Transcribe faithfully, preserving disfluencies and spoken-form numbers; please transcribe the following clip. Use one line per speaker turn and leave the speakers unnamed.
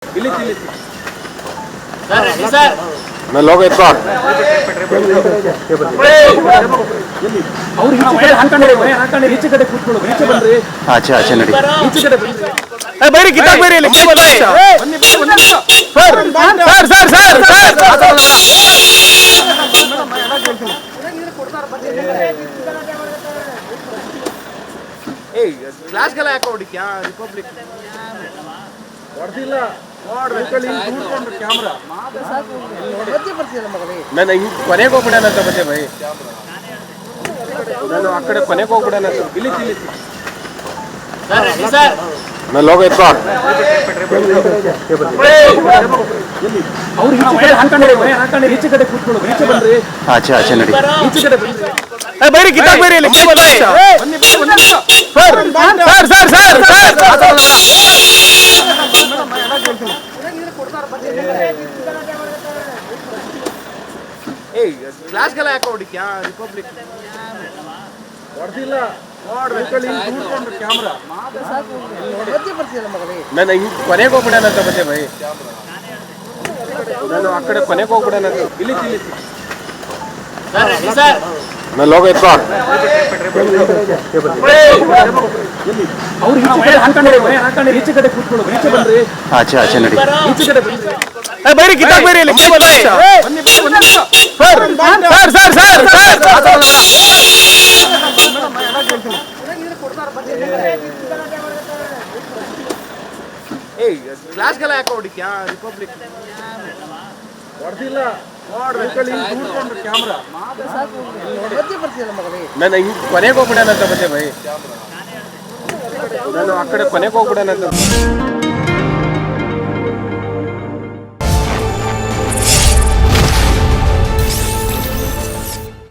ಇಲ್ಲಿ ಇಲ್ಲಿ
sir ready sir
मैं लोग इतना
ಅವ್ರು ಈಚೆ ಕಡೆ ಹಾಕೊಂಡ್ರೆ ಹಾಕೊಂಡ್ರೆ ಈಚೆ ಕಡೆ ಕೂತ್ಕೊಳ್ಳು ಈಚೆ ಬನ್ರಿ
अच्छा अच्छा नड़ी
ಈಚೆ ಕಡೆ ಬನ್ರಿ
ए बैरी कितना बैरी ले क्या बोल रहे हैं
ಬನ್ನಿ ಬನ್ನಿ ಒಂದು ನಿಮಿಷ
सर सर सर सर
ಏಯ್ ಕ್ಲಾಸ್ಗೆಲ್ಲ ಯಾಕೆ ಹೊಡಿಕ್ಯಾ ರಿಪಬ್ಲಿಕ್ ಹೊಡೆದಿಲ್ಲ ನೋಡ್ರಿ ಕೂತ್ಕೊಂಡ್ರು ಕ್ಯಾಮ್ರಾ
ನಾನು ಹಿಂಗ್ ಕೊನೆಗೆ ಹೋಗ್ಬಿಡೋಣ ಅಂತ ಬಂದೆ ಭೈ ನಾನು ಆ ಕಡೆ ಕೊನೆಗೆ ಹೋಗ್ಬಿಡೋಣ ಅಂತ
ಇಲ್ಲಿ ಇಲ್ಲಿ
ಸರ್ ರೆಡಿ ಸರ್
मैं लोग इतना
ಅವ್ರು ಈಚೆ ಕಡೆ ಹಾಕೊಂಡ್ರೆ ಹಾಕೊಂಡ್ರೆ ಈಚೆ ಕಡೆ ಕೂತ್ಕೊಳ್ಳು ಈಚೆ ಬನ್ರಿ
अच्छा अच्छा नड़ी
ಈಚೆ ಕಡೆ ಬನ್ರಿ
ए बैरी कितना बैरी ले क्या बोल रहे हैं
ಬನ್ನಿ ಬನ್ನಿ ಒಂದು ನಿಮಿಷ
सर सर सर सर
ಏಯ್ ಕ್ಲಾಸ್ಗೆಲ್ಲ ಯಾಕೆ ಹೊಡಿಕ್ಯಾ ರಿಪಬ್ಲಿಕ್ ಹೊಡೆದಿಲ್ಲ ನೋಡ್ರಿ ಕೂತ್ಕೊಂಡ್ರು ಕ್ಯಾಮ್ರಾ
ನಾನು ಹಿಂಗ್ ಕೊನೆಗೆ ಹೋಗ್ಬಿಡೋಣ ಅಂತ ಬಂದೆ ಭೈ ನಾನು ಆ ಕಡೆ ಕೊನೆಗೆ ಹೋಗ್ಬಿಡೋಣ ಅಂತ
ಇಲ್ಲಿ ಇಲ್ಲಿ
ಸರ್ ರೆಡಿ ಸರ್
मैं लोग इतना
ಅವ್ರು ಈಚೆ ಕಡೆ ಹಾಕೊಂಡ್ರೆ ಹಾಕೊಂಡ್ರೆ ಈಚೆ ಕಡೆ ಕೂತ್ಕೊಳ್ಳು ಈಚೆ ಬನ್ರಿ
अच्छा अच्छा नड़ी
ಈಚೆ ಕಡೆ ಬನ್ರಿ
ए बैरी कितना बैरी ले क्या बोल रहे हैं
ಬನ್ನಿ ಬನ್ನಿ ಒಂದು ನಿಮಿಷ
सर सर सर सर
ಏಯ್ ಕ್ಲಾಸ್ಗೆಲ್ಲ ಯಾಕೆ ಹೊಡಿಕ್ಯಾ ರಿಪಬ್ಲಿಕ್ ಹೊಡೆದಿಲ್ಲ ನೋಡ್ರಿ ಕೂತ್ಕೊಂಡ್ರು ಕ್ಯಾಮ್ರಾ
ನಾನು ಹಿಂಗ್ ಕೊನೆಗೆ ಹೋಗ್ಬಿಡೋಣ ಅಂತ ಬಂದೆ ಭೈ ನಾನು ಆ ಕಡೆ ಕೊನೆಗೆ ಹೋಗ್ಬಿಡೋಣ ಅಂತ